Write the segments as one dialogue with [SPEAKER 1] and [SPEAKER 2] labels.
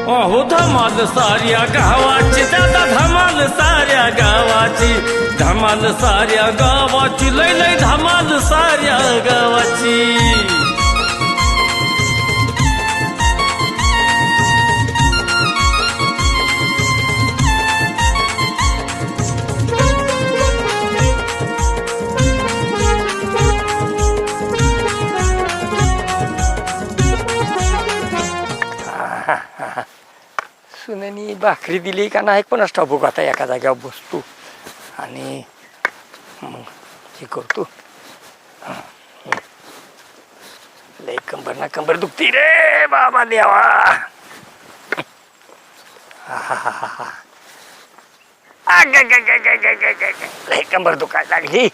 [SPEAKER 1] अहो धमाल साऱ्या गावाची दादा धमाल साऱ्या गावाची धमाल साऱ्या गावाची लय लय धमाल साऱ्या गावाची
[SPEAKER 2] सुनेनी भाकरी दिली का नाही पण ठाऊक आता एका जागेवर बसतो आणि मग हे करतो. लय कंबर ना कंबर दुखती रे बाबा देवा. लय कंबर दुखायला लागली.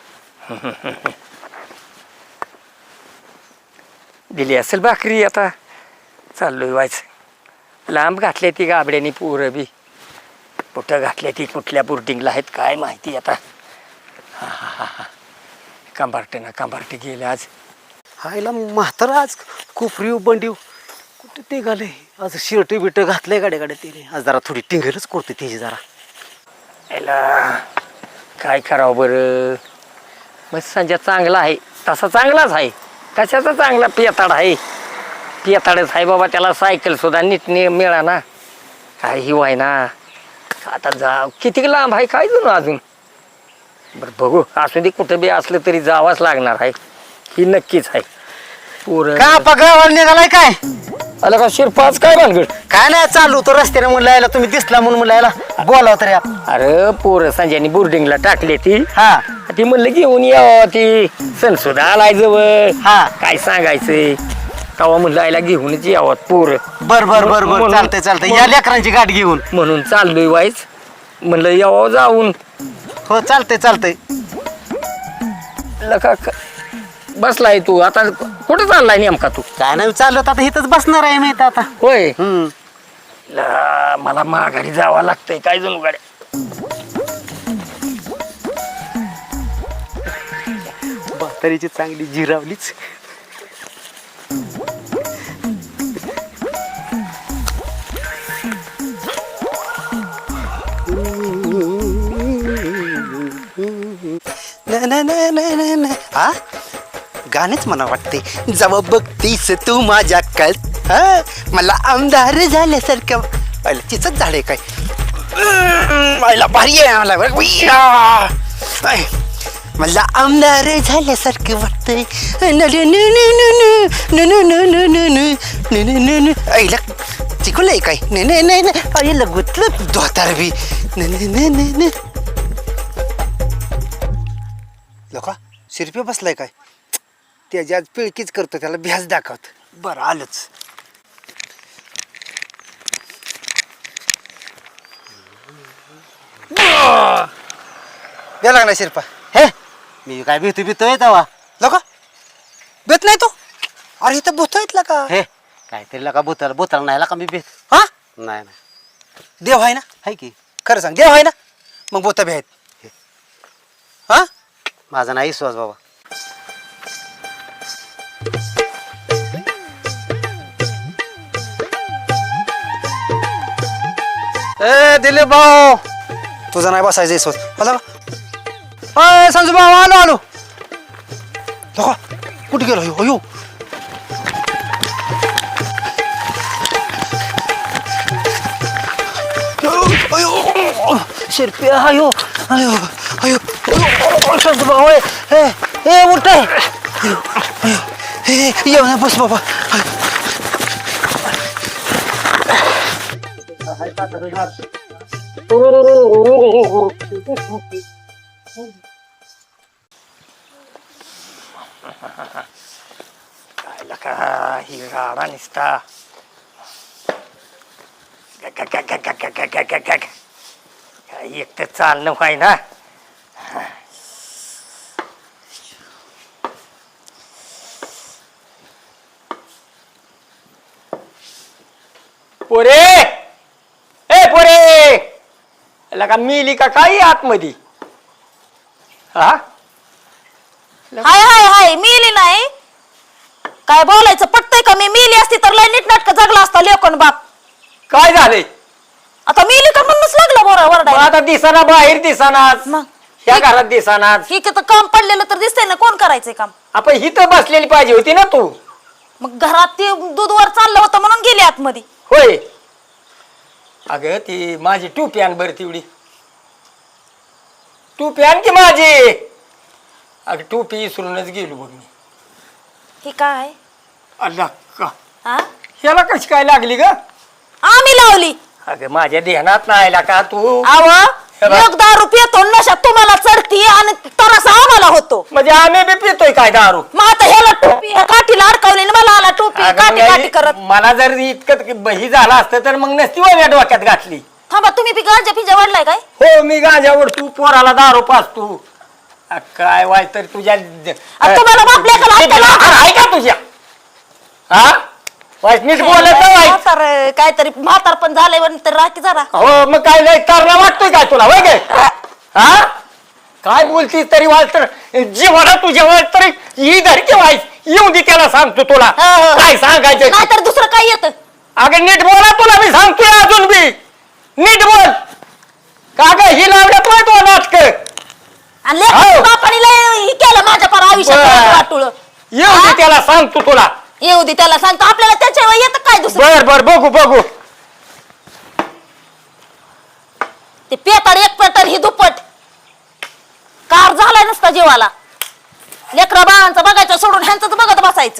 [SPEAKER 2] दिली असेल भाकरी आता चाललोय व्हायचं. लांब घातले ती गाबड्यानी पोरं बी कुठं घातले ती कुठल्या बोर्डिंगला आहेत काय माहिती आता. कंबारटे गेले आज.
[SPEAKER 3] हायला म्हातार आज कोपरीव बंडीव कुठे ते घाले आज शर्ट बिट घातलंय गाड्या तिने आज जरा थोडी टिंगलच करते त्याची जरा.
[SPEAKER 2] याला काय करावं बरं. मग संजय चांगला आहे तसा चांगलाच आहे. कशाचा चांगला पेताड आहे. पेताडच आहे बाबा. त्याला सायकल सुद्धा नीट मिळा ना काय ही व्हाय ना. आता जा किती लांब आहे काय जणू अजून. बरं बघू असू दे कुठं बी असलं तरी जावाच लागणार आहे. ही नक्कीच आहे.
[SPEAKER 3] का गावाला निघालाय काय
[SPEAKER 2] आला का शिरपाच काय भानगड.
[SPEAKER 3] काय नाही चालू तो रस्त्याने म्हणलं यायला तुम्ही दिसला म्हणून म्हणलं यायला बोलाव तर या.
[SPEAKER 2] अरे पोरं संजयनी बोर्डिंगला टाकली ती.
[SPEAKER 3] हा
[SPEAKER 2] ती म्हणलं घेऊन यावं. ती सण सुद्धा आलाय जवळ.
[SPEAKER 3] हा
[SPEAKER 2] काय सांगायचंय तेव्हा म्हणलं आयला घेऊनच यावं पोरं.
[SPEAKER 3] बर बर बर बर चालतंय या लेकरांची गाठ घेऊन
[SPEAKER 2] म्हणून चाललोय वाईच. म्हणलं यावं जाऊन.
[SPEAKER 3] हो चालतंय
[SPEAKER 2] लका बसलाय तू आता कुठं चाललाय नेमका तू.
[SPEAKER 3] काय नाही चालत आता इथंच बसणार आहे मी आता.
[SPEAKER 2] होय मला माघारी जावं लागतंय काय जणू गाड्या.
[SPEAKER 3] म्हातारीची चांगली जिरावलीच. हा गाणेच मला वाटते. जेव्हा बघतीस तू माझ्या कळत मला आमदार झाल्यासारखं पहिला चिचच झाले काय. मला भारी आहे मला आमदार झाल्यासारखं वाटतंय. आईला चिकलंय काय नाही गुतलं धोतार बी लोका शिरपे बसलाय काय. त्याची आज पिळकीच करतो त्याला भ्यास दाखवत. बरं आलंच. द्या लागला शिरपा. हे मी काय भीतोय तेव्हा लोका भेट नाही तो. अरे इथं भूत येतला का. हे काहीतरी लका भूताला नाही का मी भेट. हा नाही देव आहे ना. आहे की खरं सांग देव आहे ना. मग भूत बी आहेत. हा माझा नाही विश्वास बाबा. ए दिलीप भाऊ तुझा नाही बसायचं विश्वास मला. संजू भाऊ आलो लोका कुठे गेलो अयो. शिरपे अयो अयो अयो संजू भाऊ हे उठ ये ना बस बाबा.
[SPEAKER 2] काय ही गाडा निसता एक तर चालणं व्हाय ना. पोरे ए पोरे लगा मिली का काही आतमध्ये. हा
[SPEAKER 4] हाय हाय हाय मिली नाही काय बोलायचं पटतंय का. मी मिली असती तर लय नीटनाटक जगला असता लेकोन बाप.
[SPEAKER 2] काय झालंय
[SPEAKER 4] आता मिली का म्हणूनच लागलं बोरा
[SPEAKER 2] मग
[SPEAKER 4] वरडायला.
[SPEAKER 2] आता दिसाना बाहेर दिसानाच
[SPEAKER 4] मग?
[SPEAKER 2] ह्या घरात दिसानाच
[SPEAKER 4] ही तर काम पडलेलं तर दिसतंय ना, कोण करायचंय काम?
[SPEAKER 2] आपण हिथं बसलेली पाहिजे होती ना तू.
[SPEAKER 4] मग घरात ते दूध वर चाललं होतं म्हणून गेली आतमध्ये.
[SPEAKER 2] होय अगं ती माझी टोपी आण बरं तेवढी. टोपी आण की माझी. अगं टोपी विसरूनच गेलो बघ मी.
[SPEAKER 4] ही काय
[SPEAKER 2] अल्ला का
[SPEAKER 4] हा?
[SPEAKER 2] ह्याला कशी काय लागली ग?
[SPEAKER 4] आम्ही लावली.
[SPEAKER 2] अगं माझ्या ध्यानात नाही आला का तू?
[SPEAKER 4] आव
[SPEAKER 2] हे बघ.
[SPEAKER 4] एक दारू पितो नशा तुम्हाला चढती आणि तरासा आम्हाला होतो.
[SPEAKER 2] म्हणजे आम्ही बी पितोय काय दारू?
[SPEAKER 4] मग आता ह्याला टोपी ह्या काठीला अडकवली आणि मला आला टोपी
[SPEAKER 2] अगं
[SPEAKER 4] काठी
[SPEAKER 2] मग
[SPEAKER 4] काठी करत.
[SPEAKER 2] मला जर इतकं बही झालं असतं तर मग नसती माझ्या डोक्यात घातली.
[SPEAKER 4] थांबा, तुम्ही बी गांजा पिंजा वाढलाय काय?
[SPEAKER 2] हो मी गांजावर तू पोराला दारू पाचतो. काय वाय तर तुझ्या
[SPEAKER 4] तुम्हाला बापल्या का लागतं ना?
[SPEAKER 2] आहे का तुझ्या? हा वाईट नीट बोलत नाही.
[SPEAKER 4] म्हातार काहीतरी म्हातार पण झालंय पण तर राखी जरा.
[SPEAKER 2] हो मग काय लय तरला वाटतोय काय तुला वय गे? हा काय बोलतीस तरी वाज तर जीवाला तुझ्या वाज तरी ही धरकी वाईस येऊ दे त्याला सांगतो तुला काय सांगायचं.
[SPEAKER 4] नाहीतर दुसरं काय येतं?
[SPEAKER 2] अगं नीट बोला तुला मी सांगतोय अजून बी नीट बोल. का ग ही लावण्यात वाईट तो नाटक
[SPEAKER 4] आणि लेकरं बापाने लय हे केलं माझ्या पर आयुष्यात वाटुळ.
[SPEAKER 2] येऊ दे त्याला सांगतो तुला.
[SPEAKER 4] येऊ दे त्याला सांगतो, आपल्याला त्याच्यावर येतं काय दुसरं?
[SPEAKER 2] बर बर बघू बघू.
[SPEAKER 4] ते पेताड एक पेताड ही दुप्पट कार झालाय नसता जीवाला. लेकरा बाळांचं बघायचं सोडून ह्यांचं बघत बसायचं.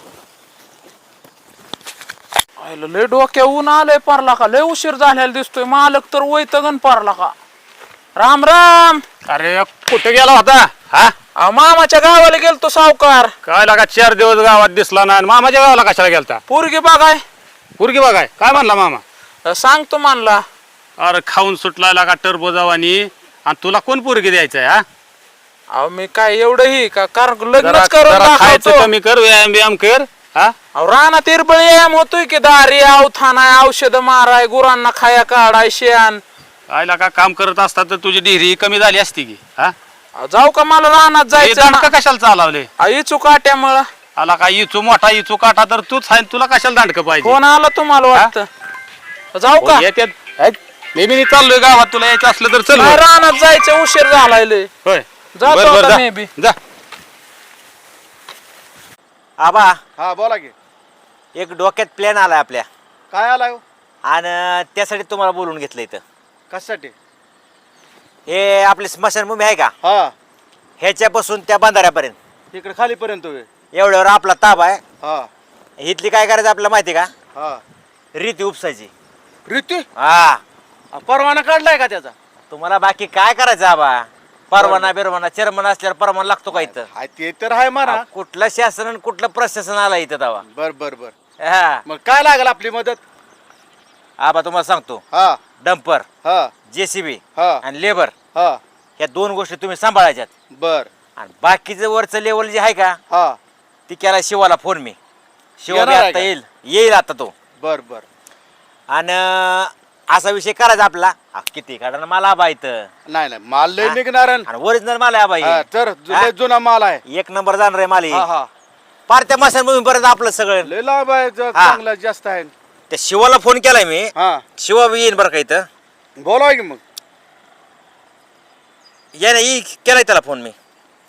[SPEAKER 5] आयला लय डोक्या ऊन आलंय पारला का, लय उशीर झालेला दिसतोय. मालक तर वैतगन पारला का. राम राम.
[SPEAKER 6] अरे कुठे गेला होता? हा
[SPEAKER 5] अहो, मामाच्या गावाला गेलतो सावकार.
[SPEAKER 6] काय लागा 4 दिवस गावात दिसला ना. मामाच्या गावाला कशाला गेलता?
[SPEAKER 5] पोरगी बघाय
[SPEAKER 6] पुरगी बघाय. काय म्हणला मामा?
[SPEAKER 5] सांगतो म्हणला.
[SPEAKER 6] अरे खाऊन सुटला लागा टरबो जावानी. आणि तुला कोण पुरगी द्यायचंय? हा
[SPEAKER 5] अहो मी काय एवढं ही का लग्नच
[SPEAKER 6] जरा
[SPEAKER 5] करून
[SPEAKER 6] खायचं
[SPEAKER 5] दाखवतो.
[SPEAKER 6] कमी कर, व्यायाम बियाम कर. हा
[SPEAKER 5] अहो रानात इरबळ व्यायाम होतोय की, दारी अवथानाय औषध माराय, गुरांना खाया काढाय, शेण.
[SPEAKER 6] काय लागा काम करत असता तर तुझी डिहरी कमी झाली असती की. हा
[SPEAKER 5] अहो, जाऊ का मला रानात जायचं
[SPEAKER 6] दांडक कशाला चालवले?
[SPEAKER 5] इचू काट्यामुळं.
[SPEAKER 6] आला का इचू मोठा इचू काटा तर तूच आहे. तुला कशाला दांडक पाहिजे?
[SPEAKER 5] फोन आला तुम्हाला वाटतं. जाऊ का?
[SPEAKER 6] येत्यात. मी बी चाललोय गावात. तुला यायचं असलं तर चल.
[SPEAKER 5] नाही, रानात जायचं उशीर झालाय लय.
[SPEAKER 6] होय
[SPEAKER 5] जातो
[SPEAKER 6] बर, बर,
[SPEAKER 5] आता
[SPEAKER 6] जा.
[SPEAKER 5] मी बी.
[SPEAKER 6] जा.
[SPEAKER 3] आबा
[SPEAKER 7] हा बोला की.
[SPEAKER 3] एक डोक्यात प्लॅन आलाय आपल्या
[SPEAKER 7] काय आलाय हो?
[SPEAKER 3] आणि त्यासाठी तुम्हाला बोलून घेतलं इथं.
[SPEAKER 7] कशासाठी?
[SPEAKER 3] हे आपली स्मशानभूमी आहे का,
[SPEAKER 7] हा
[SPEAKER 3] ह्याच्यापासून त्या बंधाऱ्यापर्यंत
[SPEAKER 7] इकडे खालीपर्यंत होय.
[SPEAKER 3] एवढ्यावर आपला ताबा आहे.
[SPEAKER 7] हा
[SPEAKER 3] इथली काय करायचं आपल्याला माहिती का?
[SPEAKER 7] हा
[SPEAKER 3] रीती उपसायची.
[SPEAKER 7] रीती
[SPEAKER 3] हा
[SPEAKER 7] परवाना काढलाय का त्याचा?
[SPEAKER 3] तुम्हाला बाकी काय करायचं आबा? परवाना बिरवाना चेअरमन असल्यावर परवाना लागतो का इथं?
[SPEAKER 7] हाय ते तर आहे म्हणा.
[SPEAKER 3] कुठलं शासन आणि कुठलं प्रशासन आला इथं दावा?
[SPEAKER 7] बर बर बर.
[SPEAKER 3] हा
[SPEAKER 7] मग काय लागेल आपली मदत?
[SPEAKER 3] आबा तुम्हाला सांगतो,
[SPEAKER 7] हा
[SPEAKER 3] डंपर,
[SPEAKER 7] हा
[SPEAKER 3] जेसीबी
[SPEAKER 7] हा
[SPEAKER 3] आणि लेबर
[SPEAKER 7] हा
[SPEAKER 3] ह्या 2 गोष्टी तुम्ही सांभाळायच्यात.
[SPEAKER 7] बर.
[SPEAKER 3] आणि बाकीचं वरचं लेवल जे आहे का,
[SPEAKER 7] हा
[SPEAKER 3] ती केला शिवाला फोन मी. शिवा
[SPEAKER 7] येणार
[SPEAKER 3] बी
[SPEAKER 7] आहे
[SPEAKER 3] आता
[SPEAKER 7] का?
[SPEAKER 3] येईल आता तो.
[SPEAKER 7] बर बर.
[SPEAKER 3] आणि असा विषय करायचा आपला. किती काढा मला आबा इथं.
[SPEAKER 7] नाही नाही माल लय
[SPEAKER 3] हा?
[SPEAKER 7] निघणार आहे.
[SPEAKER 3] आणि ओरिजिनल माल आहे आबा हे.
[SPEAKER 7] हा, तर
[SPEAKER 3] हा?
[SPEAKER 7] लय जुना माल आहे.
[SPEAKER 3] 1 नंबर जाणार आहे माल हे.
[SPEAKER 7] हा हा
[SPEAKER 3] पार त्या मशानभूमी पर्यंत आपलं सगळं.
[SPEAKER 7] लय लाभ आहे.
[SPEAKER 3] हा.
[SPEAKER 7] चांगला जास्त आहे.
[SPEAKER 3] त्या शिवाला फोन केलाय मी.
[SPEAKER 7] हा
[SPEAKER 3] शिवा बी येईन बरं का इथं.
[SPEAKER 7] बोलाय की मग.
[SPEAKER 3] या नाही केलाय त्याला फोन मी.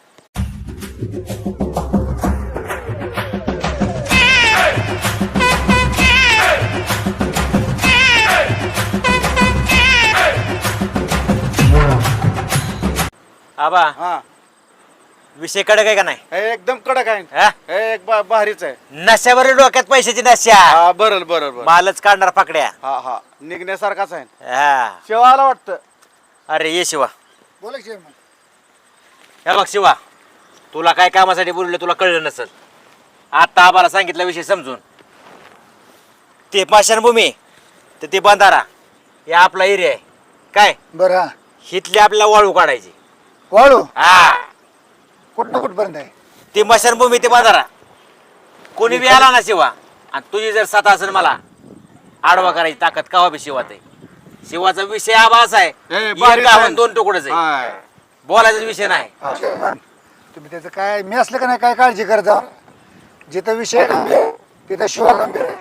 [SPEAKER 3] आबा
[SPEAKER 7] हा
[SPEAKER 3] विषय कडक आहे का नाही?
[SPEAKER 7] हे एकदम कडक आहे.
[SPEAKER 3] हा?
[SPEAKER 7] हे एक भारीच आहे.
[SPEAKER 3] नश्यावर डोक्यात पैशाची नशा.
[SPEAKER 7] हा बरं बरं बरं.
[SPEAKER 3] मालच काढणार पाकड्या.
[SPEAKER 7] हा हा निघण्यासारखाच आहे.
[SPEAKER 3] हा
[SPEAKER 7] शेवाला वाटतं.
[SPEAKER 3] अरे ये शिवा.
[SPEAKER 7] बोला की मग.
[SPEAKER 3] हे बघ शिवा, तुला काय कामासाठी बोलले तुला कळलं नसल. आता आम्हाला सांगितलं विषय समजून. ते पाषाणभूमी तर ते बंधारा हे आपला एरिया आहे काय.
[SPEAKER 8] बरं हा
[SPEAKER 3] हिथली आपल्याला वाळू काढायची.
[SPEAKER 8] वाळू
[SPEAKER 3] हा
[SPEAKER 8] कुठं कुठपर्यंत आहे?
[SPEAKER 3] ती मशानभूमी ते बंधारा कोणी बी आला ना शिवा, आणि तुझी जर सता असेल मला आडवा करायची ताकद कवा बी शिवात आहे. शिवाचा विषय आबा असा आहे, एक
[SPEAKER 7] बारीक आहे.
[SPEAKER 3] गावात 2 तुकडच आहे.
[SPEAKER 7] हाय.
[SPEAKER 3] बोलायचा विषय नाही.
[SPEAKER 8] तुम्ही त्याचं काय मी असलं का नाही काय काळजी करता. जिथं विषय आहे ना, तिथं शिवा गंभीर आहे.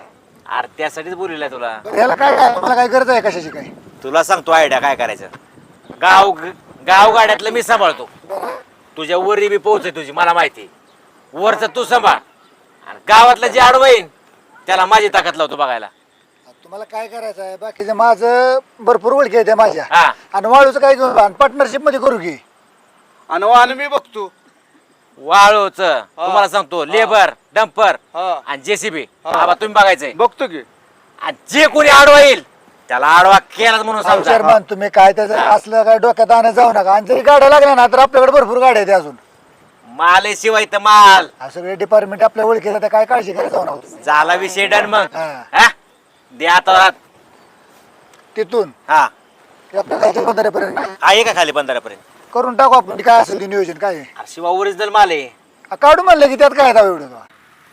[SPEAKER 9] अरे त्यासाठीच बोललेलं आहे तुला.
[SPEAKER 8] याला काय काय मला काय गरज आहे कशाची काय?
[SPEAKER 9] तुला सांगतो आयडिया काय करायचं. गावगाड्यातलं मी सांभाळतो. तुझ्या वरी बी पोहोच तुझी मला माहिती. वरचं तू सांभाळ आणि गावातलं जे आडवं येईन त्याला माझी ताकद लावतो बघायला.
[SPEAKER 8] तुम्हाला काय करायचं आहे? बाकीचं माझं भरपूर ओळखी आहे त्या माझ्या.
[SPEAKER 9] हा.
[SPEAKER 8] आणि वाळूचं काय घेऊन पार्टनरशिप मध्ये करू की.
[SPEAKER 7] आणि वाहन मी बघतो.
[SPEAKER 9] वाळूच तुम्हाला सांगतो लेबर डंपर
[SPEAKER 7] हा.
[SPEAKER 9] आणि जेसीबी बाबा तुम्ही बघायचंय.
[SPEAKER 7] बघतो की.
[SPEAKER 9] आणि जे कोणी आडवा येईल त्याला आडवा केला म्हणून सांगतो.
[SPEAKER 8] चेअरमन तुम्ही काय त्याचं असलं काय डोक्यात आणत जाऊ नका. आणि जरी गाड्या लागल्या ना तर आपल्याकडे भरपूर गाड्या आहेत अजून.
[SPEAKER 9] माल आहे शिवाय तर माल.
[SPEAKER 8] हा सगळे डिपार्टमेंट आपल्या ओळखीला तर काय काळजी करायला जाऊ नका.
[SPEAKER 9] झाला विषय डन मग.
[SPEAKER 8] हा.
[SPEAKER 9] हा? दे आता.
[SPEAKER 8] तिथून
[SPEAKER 9] हा
[SPEAKER 8] आपल्याला 15 पर्यंत
[SPEAKER 9] आहे का खाली 15 पर्यंत.
[SPEAKER 8] करून टाकू आपण. काय असेल ते नियोजन काय आहे.
[SPEAKER 9] अरे शिवा ओरिजिनल माल आहे.
[SPEAKER 8] काढू म्हणलं की त्यात काय दाव एवढं.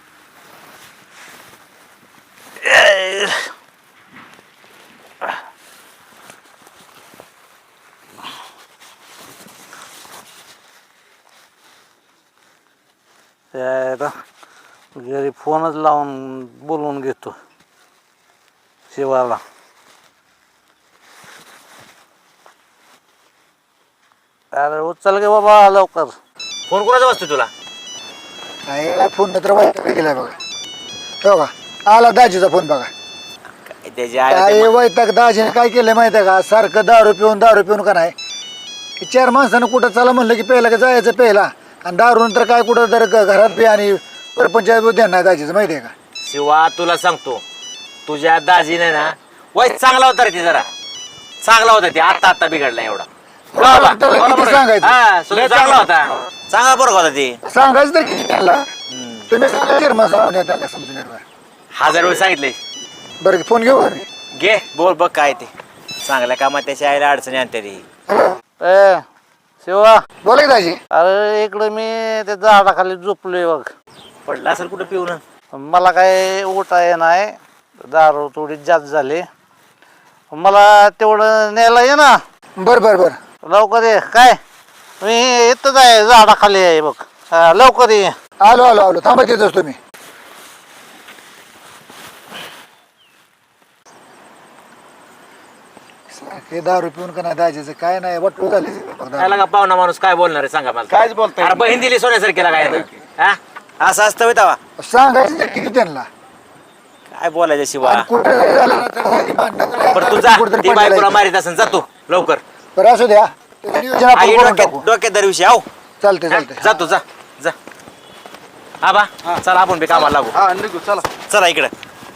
[SPEAKER 10] घरी फोनच लावून बोलवून घेतो शिवाला. अरे उचल गे बाबा लवकर.
[SPEAKER 9] फोन कोणाचा वाजतो तुला.
[SPEAKER 8] काय फोन तर वाईट गेलाय बघा. हो का आला दाजीचा फोन बघा.
[SPEAKER 9] त्याच्या
[SPEAKER 8] काय वैताग दाजीने काय केलंय माहिती आहे का? सारखं दारू पिऊन का नाही. 4 माणसानं कुठं चला म्हणलं की पहिला का जायचं पहिला. आणि दारू नंतर काय कुठं तर घरात बी आणि परपंचायत ध्यान नाही दाजीचं माहिती आहे का?
[SPEAKER 9] शिवा तुला सांगतो तुझ्या दाजीने ना वाईट चांगला होता रे. ती जरा चांगला होता. ती आता बिघडला एवढा.
[SPEAKER 8] त्याला किती सांगायचं
[SPEAKER 9] हा चांगला होता. चांगला बरोबर होता ती.
[SPEAKER 8] सांगायचं तर किती त्याला. तुम्ही सांगा चेअरमन सांगून त्याला समजून येणार.
[SPEAKER 9] 1000 वेळ सांगितले.
[SPEAKER 8] बरं फोन घेऊ आम्ही.
[SPEAKER 9] घे बोल बघ काय ते चांगल्या कामात त्याच्या आईला अडचणी आणते ती.
[SPEAKER 10] ए शिवा
[SPEAKER 8] बोला की दाजी.
[SPEAKER 10] अरे इकडे मी त्या झाडाखाली झोपलोय बघ.
[SPEAKER 9] पडला असेल कुठं पिऊन.
[SPEAKER 10] मला काय उठाय नाही. दारू थोडी जास्त झाली. मला तेवढं न्यायला ये ना.
[SPEAKER 8] बर
[SPEAKER 10] लवकर ये. काय मी इथंच आहे झाडाखाली आहे बघ. लवकर ये.
[SPEAKER 8] आलो थांबा येतोच तुम्ही. हे दारू पिऊन का नाही दाजीचं काय नाही वाटू झाले.
[SPEAKER 9] त्याला का पाहुणा माणूस काय बोलणार आहे सांगा मला.
[SPEAKER 7] कायच बोलताय.
[SPEAKER 9] अरे बहीण दिली सोन्यासारखीला काय आता? हा? असं असतं होय तेव्हा.
[SPEAKER 8] सांगायचं किती त्यांना.
[SPEAKER 9] काय बोलायचं शिवा.
[SPEAKER 8] कुठे झालं ना तर भांडणं करायला
[SPEAKER 9] बरं तू जा.
[SPEAKER 8] कुठेतरी
[SPEAKER 9] ती
[SPEAKER 8] पडायला
[SPEAKER 9] बायकोला मारित असेल जातो लवकर.
[SPEAKER 8] बरं असू द्या. त्याचं नियोजन आपण
[SPEAKER 9] आई
[SPEAKER 8] करून टाकू.
[SPEAKER 9] डोक्यात दरविषयी आहो.
[SPEAKER 8] चालतंय
[SPEAKER 9] जातो जा जा. आबा चला आपण बी कामाला लागू.
[SPEAKER 7] हा निघू चला.
[SPEAKER 9] चला इकडे.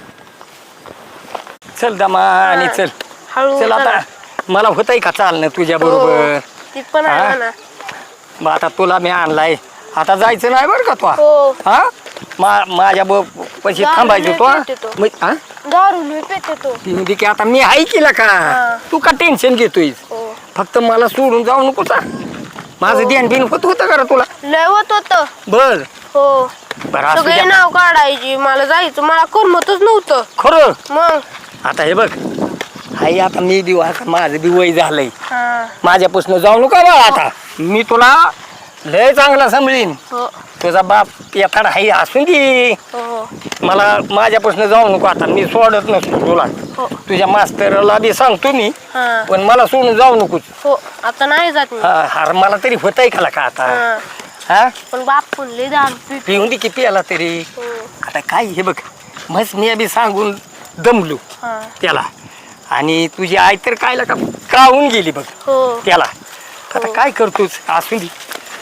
[SPEAKER 2] चल दमा आणि चल. चल आता मला होतंय का चालणं तुझ्या बरोबर.
[SPEAKER 11] ती पण आहे ना.
[SPEAKER 2] मग आता तुला मी आणलाय. आता जायचं नाही बरं का तू.
[SPEAKER 11] हो.
[SPEAKER 2] हा माझ्या पैसे थांबायचं तो. हा
[SPEAKER 11] दारू लई पेते तो.
[SPEAKER 2] ती की आता मी आहे केला का. तू का टेन्शन घेतोय.
[SPEAKER 11] हो.
[SPEAKER 2] फक्त मला सोडून जाऊ नको. माझं ध्यान बिन होतं का रे तुला.
[SPEAKER 11] लय होत होतं.
[SPEAKER 2] बर
[SPEAKER 11] हो.
[SPEAKER 2] बरं असू
[SPEAKER 11] सगळे
[SPEAKER 2] द्या.
[SPEAKER 11] नाव काढायची. मला जायचं. मला करमतच नव्हतं.
[SPEAKER 2] खरं
[SPEAKER 11] मग
[SPEAKER 2] आता हे बघ. हाय आता मी बी आता माझं बी वय झालंय.
[SPEAKER 11] हा.
[SPEAKER 2] माझ्यापासून जाऊ नका बाळा. आता मी तुला लय चांगला समजीन.
[SPEAKER 11] हो
[SPEAKER 2] तुझा बाप येताड हाय असून दे.
[SPEAKER 11] हो
[SPEAKER 2] मला माझ्यापासून जाऊ नको. आता मी सोडत नसतो तुला.
[SPEAKER 11] हो.
[SPEAKER 2] तुझ्या मास्तरला बी सांगतो मी.
[SPEAKER 11] हा.
[SPEAKER 2] पण मला सोडून जाऊ नकोच.
[SPEAKER 11] हो आता नाही जात मी.
[SPEAKER 2] अरे मला तरी होतंय का का आता.
[SPEAKER 11] हा.
[SPEAKER 2] हा
[SPEAKER 11] पण बाप लय दारू पितो.
[SPEAKER 2] पिऊन दे किती आला तरी.
[SPEAKER 11] हो.
[SPEAKER 2] आता काय हे बघ मस्त मी बी सांगून दमलो
[SPEAKER 11] हा.
[SPEAKER 2] त्याला. आणि तुझी आई तर कायला का काहून गेली बघ
[SPEAKER 11] हो.
[SPEAKER 2] त्याला. आता काय करतोच असू दे.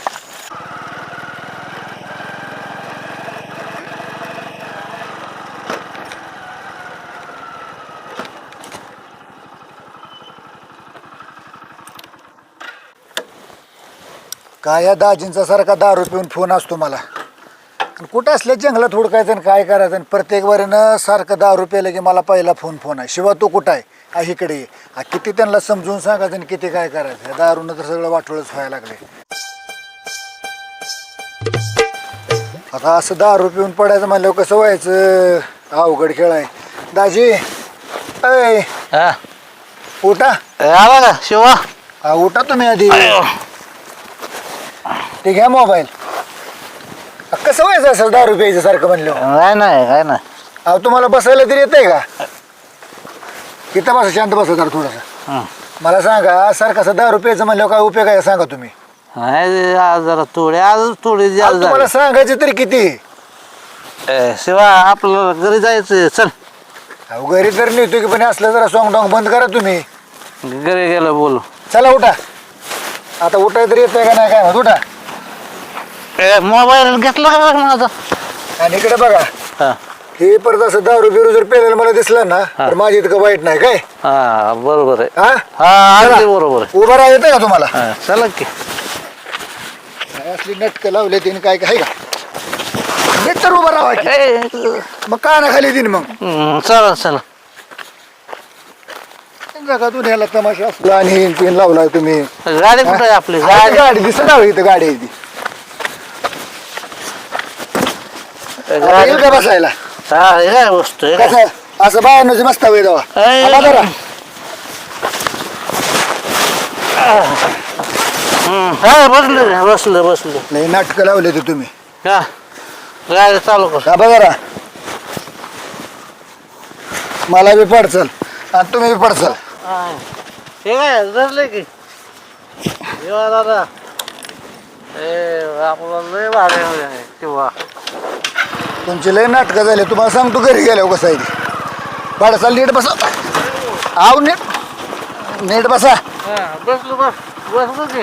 [SPEAKER 8] काय या दाजींचा सारखा दारू पिऊन फोन असतो मला. कुठं असल्या जंगलात हुडकायचं आणि काय करायचं. आणि प्रत्येक वेळेनं सारखं दारू प्यायलं की मला पहिला फोन आहे. शिवा तू कुठं आहे. हा इकडे ये. किती त्यांना समजून सांगायचं आणि किती काय करायचं. या दारूनं तर सगळं वाटोळच व्हायला लागले. आता असं दारू पिऊन पडायचं म्हणल्यावर कसं व्हायचं. अवघड खेळ आहे. दाजी अय उठा.
[SPEAKER 10] आला का शिवा.
[SPEAKER 8] उठा तुम्ही आधी. ते घ्या मोबाईल. कसं व्हायचं असं दारू प्यायचं सारखं म्हणलं.
[SPEAKER 10] नाही काय नाही.
[SPEAKER 8] अहो तुम्हाला बसायला तरी येतंय का? इथं बसा, शांत बसा जरा थोडंसं.
[SPEAKER 10] हं.
[SPEAKER 8] मला सांगा सारखं 10 रुपयाचं म्हणल्यावर काय उपयोग आहे सांगा तुम्ही.
[SPEAKER 10] नाही आज जरा थोडी आज थोडी
[SPEAKER 8] अहो,
[SPEAKER 10] जास्त
[SPEAKER 8] तुम्हाला सांगायचं तरी किती?
[SPEAKER 10] झाली. शिवा आपल्याला घरी जायचं चल.
[SPEAKER 8] अहो घरी तर नेतो की पण असलं जरा सॉंग डॉंग बंद करा तुम्ही.
[SPEAKER 10] घरी गेलं बोलू.
[SPEAKER 8] चला उठा. आता उठाय तरी येतंय का नाही काय माहित, उठा.
[SPEAKER 10] मोबाईल घेतला का माझा?
[SPEAKER 8] आणि इकडे बघा,
[SPEAKER 10] हा
[SPEAKER 8] हे परत असं 10 रुपये जर पेलेलं मला दिसलं ना तर माझी इतकं वाईट नाही काय.
[SPEAKER 10] हा बरोबर आहे.
[SPEAKER 8] हा
[SPEAKER 10] हा अगदी
[SPEAKER 8] चला.
[SPEAKER 10] बरोबर आहे.
[SPEAKER 8] उभं राहा येतंय का तुम्हाला?
[SPEAKER 10] हा, चला की.
[SPEAKER 8] काय असली नटकं लावले तिने काय काय का नीट तर उभं राहा की.
[SPEAKER 10] ए,
[SPEAKER 8] मग का ना खाली दिन मग
[SPEAKER 10] चला चला.
[SPEAKER 8] जगातून ह्याला तमाशा असला आणि हिन पिन लावलाय तुम्ही.
[SPEAKER 10] गाडी कुठे आहे आपली?
[SPEAKER 8] गाडी गाडी दिसत ना इथं गाडी आहे ती. आता येईल का बसायला?
[SPEAKER 10] हा हे काय वस्तू आहे का?
[SPEAKER 8] कसं असं बाहेर मस्त हवे जावा.
[SPEAKER 10] ए.
[SPEAKER 8] आता जरा.
[SPEAKER 10] हा बसले बसले बसले.
[SPEAKER 8] नाही नाटकं लावले ते तुम्ही.
[SPEAKER 10] हा गाडी चालू कर.
[SPEAKER 8] का बघा मला बी पडचल आणि तुम्ही बी पडचल.
[SPEAKER 10] हे काय धरले की येवा दादा. ए आपला लय भारी आहे किंवा
[SPEAKER 8] तुमचे लय नाटकं झाले. तुम्हाला सांगतो घरी गेल्यावर कसं आहे ते. पाडसाल नीट बसा. आव नीट नीट बसा.
[SPEAKER 10] बसलो बस बसलो की.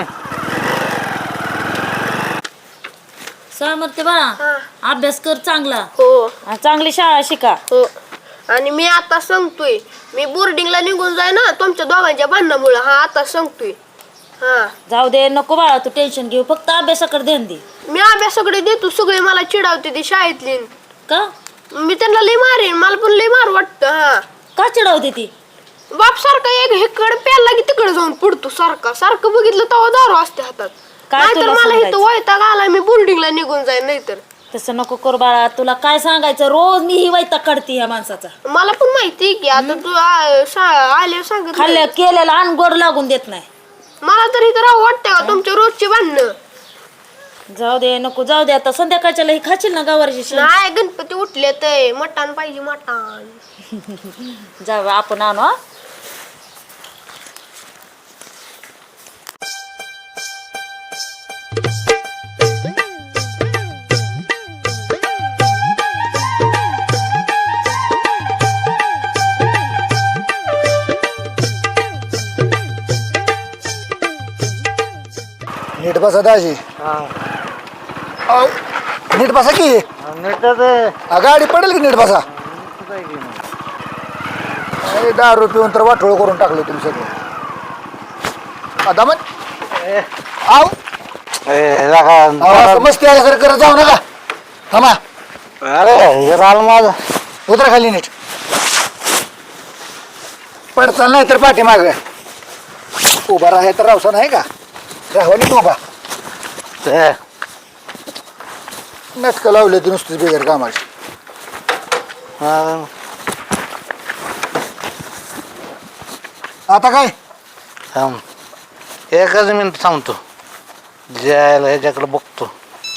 [SPEAKER 4] सामर्थ्य बाळा अभ्यास कर चांगला
[SPEAKER 11] हो
[SPEAKER 4] आणि चांगली शाळा शिका.
[SPEAKER 11] हो. आणि मी आता सांगतोय, मी बोर्डिंगला निघून जाय ना तुमच्या दोघांच्या भांडणामुळे. हा आता सांगतोय. हा
[SPEAKER 4] जाऊ दे नको बाळा तू टेन्शन घेऊ फक्त अभ्यासाकडे ध्यान दे.
[SPEAKER 11] मी अभ्यासाकडे देतो. सगळे मला चिडावते ती शाळेतली.
[SPEAKER 4] का
[SPEAKER 11] मी त्यांना लय मारेन. मला पण लय मार वाटतं. हा
[SPEAKER 4] का चिडवते ती?
[SPEAKER 11] बाप सारखा एक हेकडे प्याला की तिकडे जाऊन पडतो. सारखा सारखं बघितलं तेव्हा दारू असते हातात.
[SPEAKER 4] काय
[SPEAKER 11] नाहीतर
[SPEAKER 4] तुला
[SPEAKER 11] मला इथं
[SPEAKER 4] सांगायचं?
[SPEAKER 11] वैताग आला. मी बोर्डिंगला निघून जाईन नाहीतर.
[SPEAKER 4] तसं नको कर बाळा तुला काय सांगायचं रोज मी ही वैताग काढते ह्या माणसाचा.
[SPEAKER 11] मला पण माहिती की आता तू आल्यावर सांगत
[SPEAKER 4] खाल्ल्या केलेला अनगोड लागून देत नाही.
[SPEAKER 11] मला तर इथं राहू वाटतंय का तुमच्या रोजची भांडणं.
[SPEAKER 4] जाऊ दे नको जाऊ दे आता संध्याकाळच्या लई खाशील ना गावाची शेण.
[SPEAKER 11] नाही गणपती उठले तर मटण पाहिजे मटण.
[SPEAKER 4] जाऊ आपण आणू हा.
[SPEAKER 8] नीट बसा दाजी. आव, नीट बसा की. गाडी पडेल की नीट बसा. अरे 10 रुपये पिऊन तर वाटोळ करून टाकलं तुम्ही सगळं. आता मग आव असं मस्ती आल्यासारखं करत जाऊ नका. थांबा.
[SPEAKER 10] अरे हे राल माझा.
[SPEAKER 8] उतरा खाली नीट. पडचाल नाही तर पाठीमाग उभा राहा तर रावसा नाही का. राहावा नीट उभा. नाटकं लावले ते नुसतीच बेगर कामाची. आता काय
[SPEAKER 10] एकच मिनिट थांबतो. जायला ह्याच्याकडे बघतो.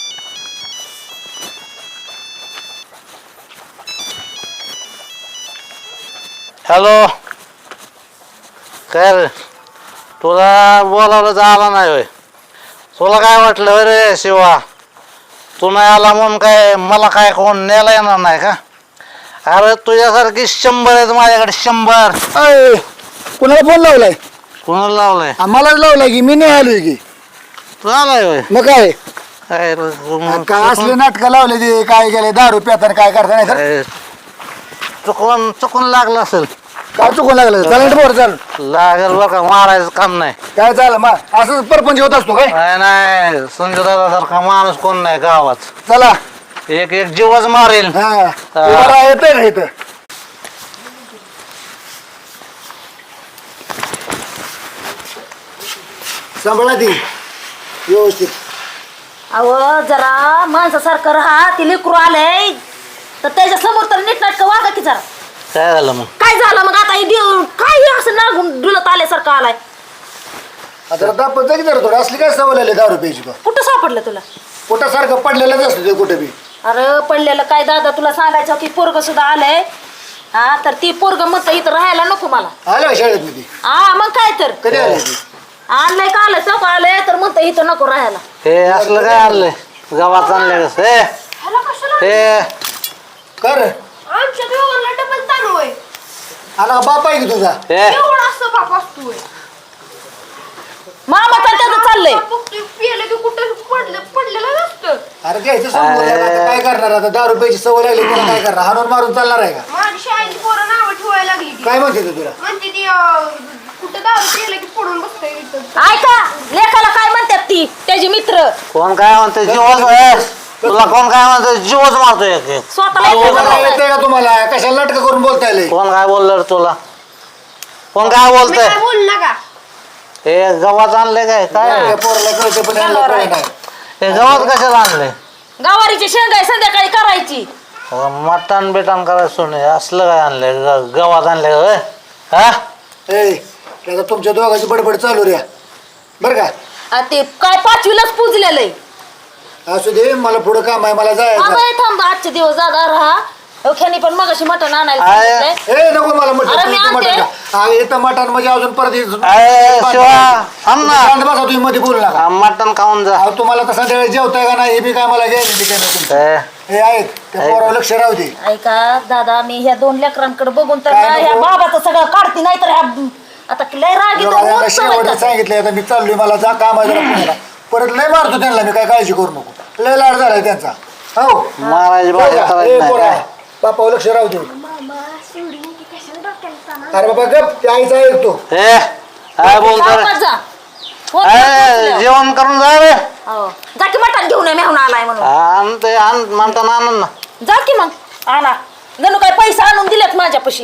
[SPEAKER 10] हॅलो काय रे तुला बोलावलं तर आला नाही होय. तुला काय वाटलं रे शिवा तू नाही आला म्हणून काय मला काय कोण न्यायला येणार नाही का? अरे तुझ्यासारखी 100 आहेत माझ्याकडे 100.
[SPEAKER 8] अय कुणाला फोन लावलाय?
[SPEAKER 10] कोणाला लावलाय?
[SPEAKER 8] आम्हालाच लावलाय की मी नाही आलोय की.
[SPEAKER 10] तू आलाय होय.
[SPEAKER 8] मग काय
[SPEAKER 10] काय रे, मग
[SPEAKER 8] काय असले नाटकं लावले ते काय गेले 10 रुपये आता काय करता नाही तर
[SPEAKER 10] काय चुकून चुकून लागलं असेल.
[SPEAKER 8] काय चुकून लागलं? चालेल बोर चाल.
[SPEAKER 10] लागेल बरं का मारायचं काम नाही.
[SPEAKER 8] काय चाल मग असं परपंच होत असतो काय?
[SPEAKER 10] नाही नाही संजय दादा सारखा माणूस कोण नाही गावात.
[SPEAKER 8] चला
[SPEAKER 10] एक एक जीवच मारेल.
[SPEAKER 8] हा येतंय ना इथं. सांभाळा ती व्यवस्थित.
[SPEAKER 4] अहो जरा माणसासारखं राहा ती लेकरू आलंय तर त्याच्या समोर तर नीटनाटकं वागा की जरा.
[SPEAKER 10] काय झालं मग?
[SPEAKER 4] काय झालं मग आता हे देऊन काय असं नागून डुलत आल्यासारखं आलाय.
[SPEAKER 8] आता दापत की जरा थोडं असली काय सवय लागली 10 रुपयाची. तो
[SPEAKER 4] कुठं सापडलं तुला?
[SPEAKER 8] पोटासारखं पडलेलंच असतं ते कुठे बी.
[SPEAKER 4] अरे पडलेलं काय दादा तुला सांगायचं की पोरग सुद्धा आलंय हा तर ती पोरग मत इथं राहायला नको मला
[SPEAKER 8] आलं का शाळेत मध्ये
[SPEAKER 4] हा मग काय तर
[SPEAKER 8] कधी आलं ती?
[SPEAKER 4] आणलंय का आलं चौक आलंय तर म्हणतं इथं नको राहायला
[SPEAKER 10] हे असलं काय आणलंय गावात आणलंय कसं हे
[SPEAKER 8] कर
[SPEAKER 11] आमच्या दोघांना डबल ताण होय
[SPEAKER 8] आला का बाप आहे की तुझा
[SPEAKER 10] हे
[SPEAKER 11] एवढा असं बाप असतोय
[SPEAKER 4] मामा तर त्याचं चाललंय
[SPEAKER 11] पियलं की कुठं पडलेलं नसतं
[SPEAKER 8] अरे घ्यायचं समोर आता काय करणार आता 10 रुपयाची सवय लागली तुला काय करणार हाणून मारून चालणार आहे का
[SPEAKER 11] माझी शाळेची पोरं नावं ठेवायला लागली ती
[SPEAKER 8] काय म्हणते तू तुला
[SPEAKER 11] म्हणते ती कुठं दारू पियलं की पडून बसतंय इथं
[SPEAKER 4] ऐका लेखाला काय म्हणतात ती त्याचे मित्र
[SPEAKER 10] कोण काय म्हणते जीवच तुला कोण काय म्हणते जीवच मारतोय एक एक.
[SPEAKER 4] स्वतःला
[SPEAKER 8] बोलता येतंय का तुम्हाला कशाला नाटक करून बोलता येईल
[SPEAKER 10] कोण काय बोललं रे तुला कोण काय
[SPEAKER 11] मी
[SPEAKER 10] बोलतंय
[SPEAKER 11] काय बोल नका
[SPEAKER 10] हे गव्हात आणले काय काय
[SPEAKER 8] पोराला कळतं पण यांना कळत नाही
[SPEAKER 10] हे गव्हात कशाला आणले
[SPEAKER 4] गावारीची शेंगाई संध्याकाळी करायची
[SPEAKER 10] मटण बिटण करायचं सोडून असलं काय आणलंय गव्हात आणलंय होय हा
[SPEAKER 8] ए त्याचा तुमच्या दोघांची बडबड चालू रे बरं का
[SPEAKER 4] आ ते काय 5वीलाच पुजलेलं आहे
[SPEAKER 8] असू दे मला पुढं काम आहे मला जायचं
[SPEAKER 4] थांब आजचे दिवस दादा राहा ख्यानी पण मगाशी मटण आणायला
[SPEAKER 10] आहे.
[SPEAKER 4] सांगितलंय.
[SPEAKER 8] ए नको मला
[SPEAKER 4] अरे मी
[SPEAKER 8] मटण
[SPEAKER 4] आणते.
[SPEAKER 8] मटण इथं मटण म्हणजे अजून परत
[SPEAKER 10] अरे शिवा थांब ना
[SPEAKER 8] शांत बसा तुम्ही मध्ये बोलू नका
[SPEAKER 10] मटण खाऊन जा
[SPEAKER 8] अहो तुम्हाला तसं संध्याकाळी जेवताय का नाही हे बी काय मला गॅरंटी काय नाही तुमचं
[SPEAKER 10] हे,
[SPEAKER 8] हे आहेत त्या पोरावर लक्ष राहू दे
[SPEAKER 4] ऐका दादा मी ह्या 2 लेकरांकडे बघून तर
[SPEAKER 8] काय
[SPEAKER 4] ना ह्या
[SPEAKER 8] नको?
[SPEAKER 4] बाबाचं सगळं काढते नाही तर ह्या आता लय राग येतो,
[SPEAKER 8] दोघांना
[SPEAKER 4] रोज
[SPEAKER 8] शेवटचं
[SPEAKER 4] चालतं.
[SPEAKER 8] सांगितलंय आता मी चाललोय मला जा काम आहे जरा पुण्याला. परत लय मारतो त्यांना मी काय काळजी करू नको लय लाड झालाय त्यांचा हो
[SPEAKER 10] मारायची भाषा करायची नाही
[SPEAKER 8] पोरा
[SPEAKER 10] काय.
[SPEAKER 8] बापावर लक्ष राहू दे अरे बाबा गप ते आईचा ऐकतो
[SPEAKER 10] हे काय बोलतोय
[SPEAKER 4] सावकाश जा. फोन
[SPEAKER 10] ए,
[SPEAKER 4] कर
[SPEAKER 10] जेवण करून जा रे
[SPEAKER 4] हो. जा की मटण घेऊन ये मेहून आलाय म्हणून
[SPEAKER 10] आण ते आण म्हणता आणून ना
[SPEAKER 4] जा की मग आणा गणू काय पैसे आणून दिलेत माझ्यापाशी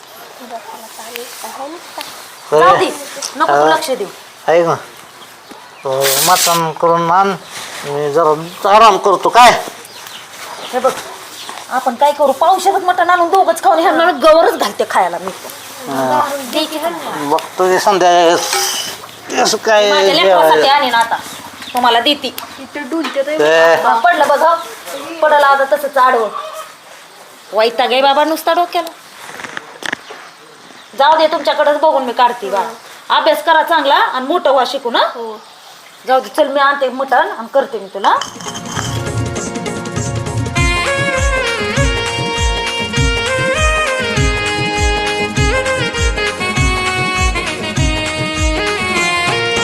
[SPEAKER 4] जाऊ दे नको तू लक्ष देऊ
[SPEAKER 10] ऐक ना मटण करून आण मी जरा आराम करतो काय
[SPEAKER 4] हे बघ आपण काय करू पावसाळ्यात मटण आणून दोघच खाऊन ह्यांना गवरच घालते खायला मी
[SPEAKER 10] बघतो की संध्याकाळी असं काय
[SPEAKER 4] माझ्या लेकरासाठी आणीन आता तुम्हाला देती
[SPEAKER 10] ते
[SPEAKER 4] पडलं बघा पडलं आता तसंच आडवं वैताग आहे बाबा नुसता डोक्याला जाऊ दे तुमच्याकडेच बघून मी काढते बा अभ्यास करा चांगला आणि मोठं व्हा शिकू ना जाऊ दे चल मी आणते मटण आणि करते मी तुला